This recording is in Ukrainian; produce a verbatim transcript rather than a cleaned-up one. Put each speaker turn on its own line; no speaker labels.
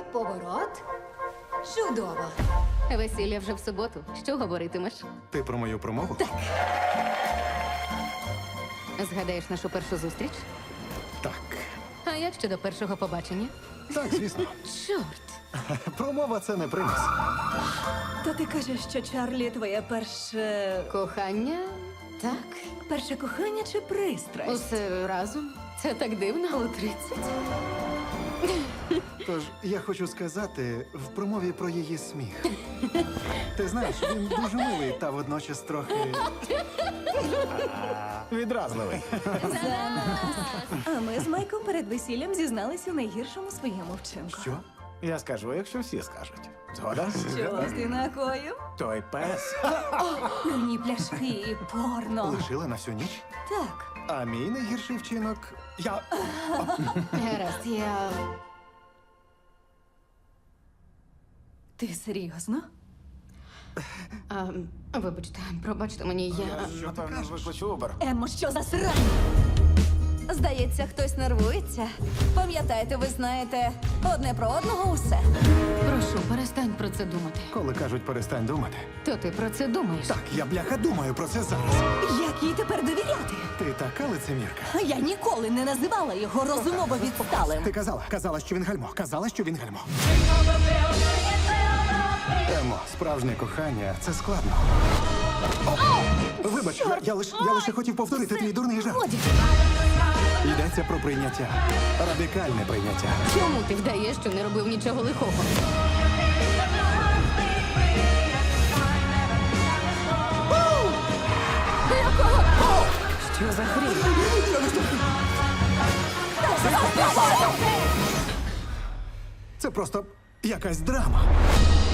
поворот. Чудово.
Весілля вже в суботу. Що говоритимеш?
Ти про мою промову?
Згадаєш нашу першу зустріч?
Так.
А як щодо першого побачення?
Так, звісно.
Чорт!
Промова це не примус.
То ти кажеш, що Чарлі твоє перше.
Кохання? Так.
перше кохання чи пристрасть?
Усе разом. Це так дивно.
У тридцять?
Тож я хочу сказати в промові про її сміх. Ти знаєш, він дуже милий та водночас трохи.
Відразливий.
А ми з Майком перед весіллям зізналися у найгіршому своєму вчинку.
Що?
Я скажу, якщо всі скажуть. Згода?
Що ти накоїв?
Той пес.
Пивні пляшки і порно.
Лишила на всю ніч?
Так.
А мій найгірший вчинок. Я.
Гаразд, я.
Ти серйозно?
А, вибачте, пробачте мені, я.
Напевно, викличу Убер.
Еммо, що за срань? Здається, хтось нервується. Пам'ятаєте, ви знаєте одне про одного усе.
Прошу, перестань про це думати.
Коли кажуть, перестань думати.
То ти про це думаєш?
Так, я бляха думаю про це зараз.
Як їй тепер довіряти?
Ти така лицемірка.
Я ніколи не називала його розумово відсталим.
Ти казала, казала, що він гальмо. Казала, що він гальмо. Емо, справжнє кохання це складно. О! Вибач, я, я, лиш, я лише хотів повторити твій дурний жарт.
Годі.
Йдеться про прийняття. Радикальне прийняття.
Чому ти вдаєш, що не робив нічого лихого? Що за хрінь?
Це просто якась драма.